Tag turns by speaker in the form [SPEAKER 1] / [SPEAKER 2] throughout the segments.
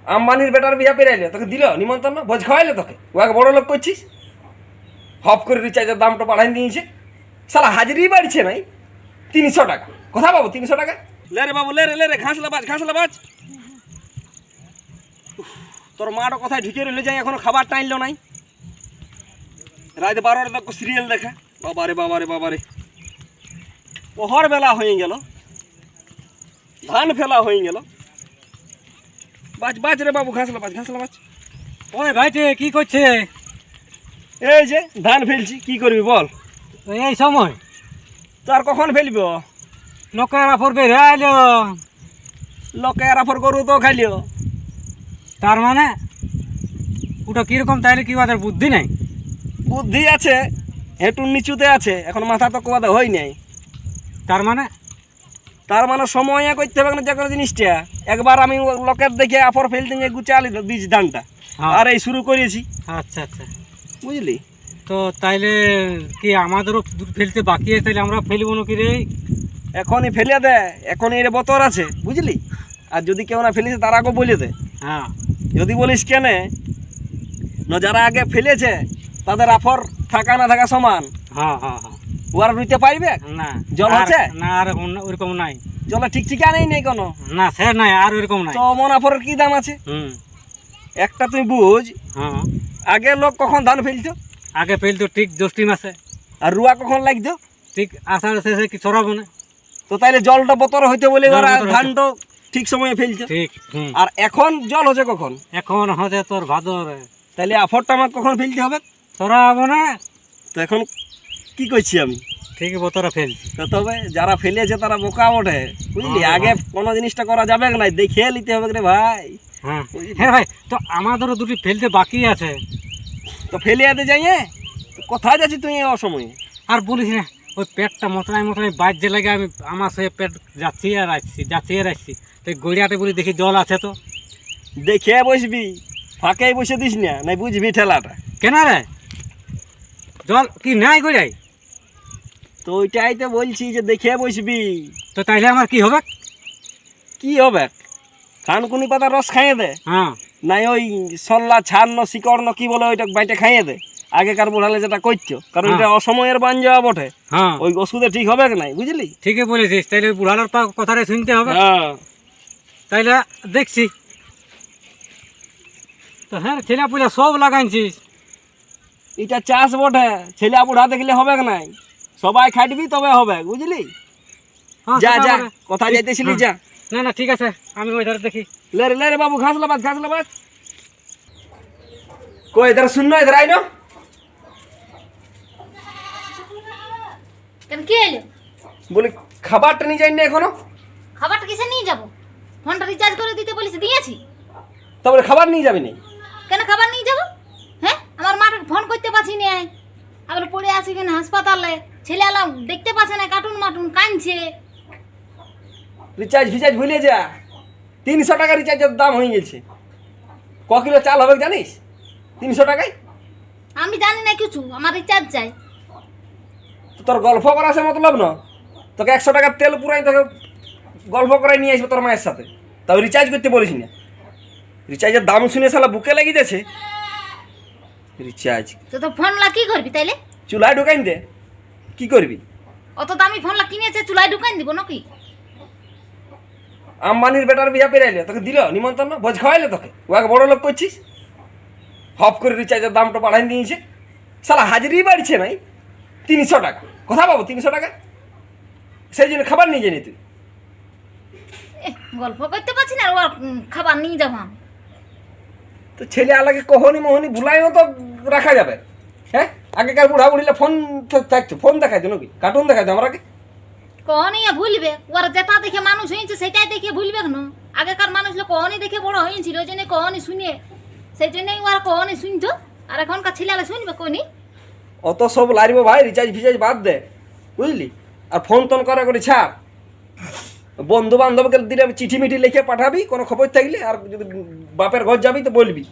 [SPEAKER 1] আম্বানির বেটার বিয়া পেরাইলে তোকে দিল নিমন্ত্রণ, ভোজ খাওয়াইলে তোকে, ওকে বড় লোক করছিস। হপ করে রিচার্জের দামটা বাড়াই দিয়েছে, সালা হাজিরি বাড়ছে নাই 300 টাকা। কোথা পাবো 300 টাকা? লে রে বাবু, লে রে, ঘাসলা বাজ। তোর মাটা কোথায় ঢুকে রইলে যাই, এখনো খাবার টাইনলো নাই। রাত 12টা তক সিরিয়াল দেখা। বাবারে পহর বেলা হয়ে গেল, ধান ফেলা হয়ে গেল। বাজ রে বাবু, ঘাসলা বাজ।
[SPEAKER 2] ওই ভাইটে কি করছে?
[SPEAKER 1] এই যে ধান ফেলছি, কি করবি বল?
[SPEAKER 2] এই সময়
[SPEAKER 1] তো আর কখন ফেলব?
[SPEAKER 2] লোকের আফর বের আইলো,
[SPEAKER 1] লোকে আফর গরু তো খাইলিও।
[SPEAKER 2] তার মানে ওটা কিরকম, তাইলে কি ওদের বুদ্ধি নাই?
[SPEAKER 1] বুদ্ধি আছে, হেঁটুর নিচুতে আছে, এখন মাথা তো কোয়াদা হয় নাই।
[SPEAKER 2] তার মানে
[SPEAKER 1] সময় করতে হবে না যে কোনো জিনিসটা। একবার আমি লোকের দেখে আফর ফেলতে গিয়ে গুচালি বীজ ধানটা, আর এই শুরু করেছি।
[SPEAKER 2] আচ্ছা
[SPEAKER 1] বুঝলি?
[SPEAKER 2] তো তাইলে কি আমাদেরও ফেলতে বাকি আছে, তাইলে আমরা ফেলবো নাকি রে?
[SPEAKER 1] এখনই ফেলে দে, এখন এর বতর আছে, বুঝলি? আর যদি কেউ না ফেলেছে তার আগে বলে দে।
[SPEAKER 2] হ্যাঁ, যদি
[SPEAKER 1] বলিস কেন না, যারা আগে ফেলেছে তাদের আফর থাকা না থাকা সমান।
[SPEAKER 2] হ্যাঁ,
[SPEAKER 1] ওরা রুইতে পারবে
[SPEAKER 2] না?
[SPEAKER 1] জল আছে
[SPEAKER 2] না, আর ওরকম নাই,
[SPEAKER 1] জলে ঠিক নেই কোনো
[SPEAKER 2] না স্যার, নাই আর ওরকম নাই।
[SPEAKER 1] তো মন আফরের কি দাম আছে? একটা তুই বুঝ, আগে লোক কখন ধান ফেলতো?
[SPEAKER 2] আগে ফেলতো ঠিক জ্যৈষ্ঠী মাসে।
[SPEAKER 1] আর রুয়া কখন লাগতো?
[SPEAKER 2] ঠিক আষাঢ় শেষে কি ছড়াবো না?
[SPEAKER 1] তো তাইলে জলটা বতর হইতে বলে ধানটা ঠিক সময়ে ফেলছে।
[SPEAKER 2] ঠিক।
[SPEAKER 1] আর এখন জল হচ্ছে কখন?
[SPEAKER 2] এখন হচ্ছে তোর ভাদরে।
[SPEAKER 1] তাইলে আফরটা আমার কখন ফেলতে হবে?
[SPEAKER 2] ছড়াবো না?
[SPEAKER 1] তো এখন কি করছি আমি?
[SPEAKER 2] ঠিক বতরে ফেলছি।
[SPEAKER 1] তবে যারা ফেলেছে তারা বোকা ওঠে, বুঝলি? আগে কোনো জিনিসটা করা যাবে না, দেখে নিতে হবে রে ভাই।
[SPEAKER 2] হ্যাঁ ভাই, তো আমাদেরও দুটি ফেলতে বাকি আছে,
[SPEAKER 1] তো ফেলে যেতে যাই। কোথায় যাচ্ছি তুই অসময়ে?
[SPEAKER 2] আর বলিস না, ওই পেটটা মোটরাই বাজছে লাগে, আমি আমার সে পেট যাচ্ছি আর আসছি। তো গড়িয়াতে বলি দেখি জল আছে, তো
[SPEAKER 1] দেখে বসবি, ফাঁকে বসে দিস না, নাই বুঝবি ঠেলাটা।
[SPEAKER 2] কেন রে, জল কি নাই গড়িয়াই?
[SPEAKER 1] তো ওইটাই তো বলছি যে দেখে বসবি।
[SPEAKER 2] তো তাইলে আমার কি হবে?
[SPEAKER 1] খানকুনি পাতা রস খাইয়ে দে।
[SPEAKER 2] হ্যাঁ,
[SPEAKER 1] নাই ওই সল্লা ছাড় শিকড় কি বলে ওইটা বাইটে খাইয়ে দে। আগেকার বুড়ালে যেটা করছো, কারণ এটা অসময়ের বান যাওয়া বটে।
[SPEAKER 2] হ্যাঁ,
[SPEAKER 1] ওই ওষুধে ঠিক হবে নাই, বুঝলি?
[SPEAKER 2] ঠিকই বলেছিস, তাইলে বুড়ালোর কথাটা শুনতে হবে। তাইলে দেখছি তো। হ্যাঁ, ছেলে পুলে সব লাগাইছিস,
[SPEAKER 1] এটা চাষ বটে, ছেলে বুড়া দেখলে হবে নাই, সবাই খাটবি তবে হবে, বুঝলি? যা কোথায় যাইতেছিলি যা।
[SPEAKER 2] না ঠিক আছে, আমি ওই ধারে দেখি।
[SPEAKER 1] লে রে বাবু, ঘাসলা বাজ। কই ইধার শুননো, ইধার আইনো।
[SPEAKER 3] কেন কি এলো?
[SPEAKER 1] বলি খাবারটা নিয়ে যাই না এখনো?
[SPEAKER 3] খাবারটা কিসে নিয়ে যাব? ফোনটা রিচার্জ করে দিতে বলেছি, দিয়েছি।
[SPEAKER 1] তারপরে খাবার নিয়ে যাবি না?
[SPEAKER 3] কেন খাবার নিয়ে যাব? হ্যাঁ, আমার মাকে ফোন করতে পারছি না, আবার পড়ে আছি কেন হাসপাতালে, ছেলে আলাম দেখতে পাচ্ছে না, কার্টুন কাঁদছে।
[SPEAKER 1] রিচার্জ ভুলে যা, 300 টাকা রিচার্জের দাম হয়ে গেছে। ক কিলো চাল হবে জানিস 300 টাকায়?
[SPEAKER 3] আমি জানি না কিছু, আমার রিচার্জ চাই।
[SPEAKER 1] তোর গল্প করা আছে মতলব না, তোকে 100 টাকার তেল পুরাই তোকে গল্প করাই নিয়ে আসবো তোর মায়ের সাথে, তাও রিচার্জ করতে বলিস না। রিচার্জের দাম শুনে শালা বুকে লেগে যাচ্ছে। রিচার্জ
[SPEAKER 3] তো ফোনলা কি করবি তাইলে?
[SPEAKER 1] চুলায় ঢুকাই দে। কি করবি?
[SPEAKER 3] অত দামি ফোনলা কিনেছে, চুলায় ঢুকাই দিব নাকি?
[SPEAKER 1] আম্বানির বেটার বিয়া পেরাইলে তোকে দিল নিমন্ত্রণ, ভোজ খাওয়াইলে তোকে, ওকে বড় লোক করছিস। হপ করে রিচার্জের দামটা বাড়াই দিয়েছে, শালা হাজিরি বাড়ছে নাই 300 টাকা। কোথা পাবো 300 টাকা? সেই জন্য খাবার নিয়ে যাই তুই।
[SPEAKER 3] গল্প করতে পারছি না, ওর খাবার নিয়ে যাব।
[SPEAKER 1] তো ছেলে আলাকে কহনি মোহনি ভুলাইও তো রাখা যাবে। হ্যাঁ, আগেকার বুড়া বুড়িলে ফোন থাকতো, ফোন দেখাইতো নাকি, কার্টুন দেখাইতো আমরাকে।
[SPEAKER 3] কহনি ভুলবে, ওর যেটা দেখে মানুষ হয়েছে সেটাই দেখে ভুলবে কেন? আগেকার মানুষ কহনি দেখে বড় হয়েছিল, ওই জন্য কহনি শুনে, সেই জন্যই ওরা কহনি শুনতো। আর এখনকার ছেলেরা শুনবে কোনি?
[SPEAKER 1] অত সব লারিব ভাই, রিচার্জ ফিচার্জ বাদ দে, বুঝলি? আর ফোন টোন করে ছাড়। বন্ধু বান্ধবকে দিলে চিঠি মিঠি লিখে পাঠাবি কোনো খবর থাকলে, আর যদি বাপের ঘর যাবি তো বলবি,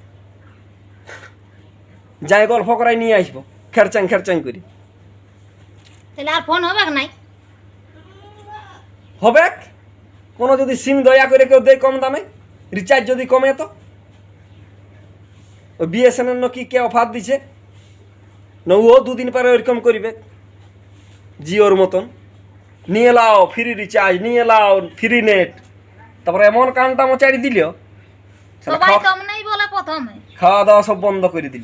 [SPEAKER 1] যাই গল্প করাই নিয়ে আসবো খেরচাং করি।
[SPEAKER 3] তাহলে আর ফোন হবে নাই?
[SPEAKER 1] হবে কোনো যদি সিম দয়া করে কেউ দেয় কম দামে, রিচার্জ যদি কমে তো ওই বিএসএনএল কি কে অফার দিছে না ও দুদিন পরে ওইরকম করবে জিওর মতন নিয়ে লাও ফ্রি রিচার্জ নিয়ে লাও ফ্রি নেট তারপরে এমন কানটা মোচাড়ি দিল
[SPEAKER 3] সবাই কম নাই বলে প্রথমে
[SPEAKER 1] খাওয়া দাওয়া সব বন্ধ করে দিল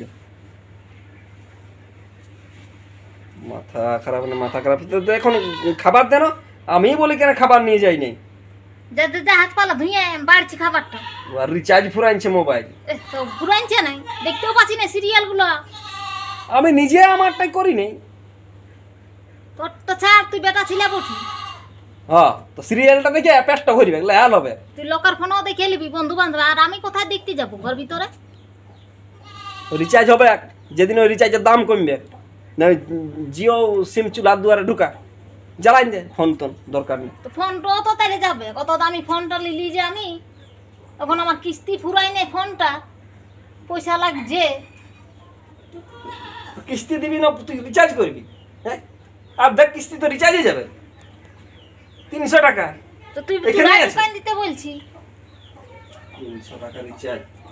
[SPEAKER 1] মাথা খারাপ না মাথা খারাপ তো এখন খাবার দেন আমি বলি কেন খাবার নিয়ে যাই নাই
[SPEAKER 3] যে হাত পালা ধুয়ে বাড়ছি খাবারটা
[SPEAKER 1] আর রিচার্জ ফুরাইছে মোবাইল
[SPEAKER 3] তো ঘুরাইছে নাই দেখতেও পাচ্ছি না সিরিয়ালগুলো
[SPEAKER 1] আমি নিজে আমারটাই করি নাই
[SPEAKER 3] তোর তো ছাড় তুই বেটা ছিলা বটু
[SPEAKER 1] হ্যাঁ তো সিরিয়ালটা দেখে পেটটা ভরবে লাল হবে
[SPEAKER 3] তুই লোকের ফোনও দেখে নিবি বন্ধু বান্ধব আর আমি কোথায় দেখতে যাবো ঘর ভিতরে
[SPEAKER 1] রিচার্জ হবে যেদিন ওই রিচার্জের দাম কমবে না ওই জিও সিম চুলার দুয়ারে ঢুকা জ্বালাই দে ফোন তোন দরকার নেই
[SPEAKER 3] তো ফোনটাও তো তাইলে যাবে কত দামি ফোনটা নিলি যে আমি এখন আমার কিস্তি ফুরাই নেই ফোনটা পয়সা লাগছে
[SPEAKER 1] কিস্তি দিবি না তুই রিচার্জ করবি হ্যাঁ আর দেখ কিস্তি তো রিচার্জে যাবে 300 টাকা
[SPEAKER 3] তো তুই
[SPEAKER 1] এখানেই আছে।
[SPEAKER 3] দোকান দিতে বলছি
[SPEAKER 1] 300 টাকা রিচার্জ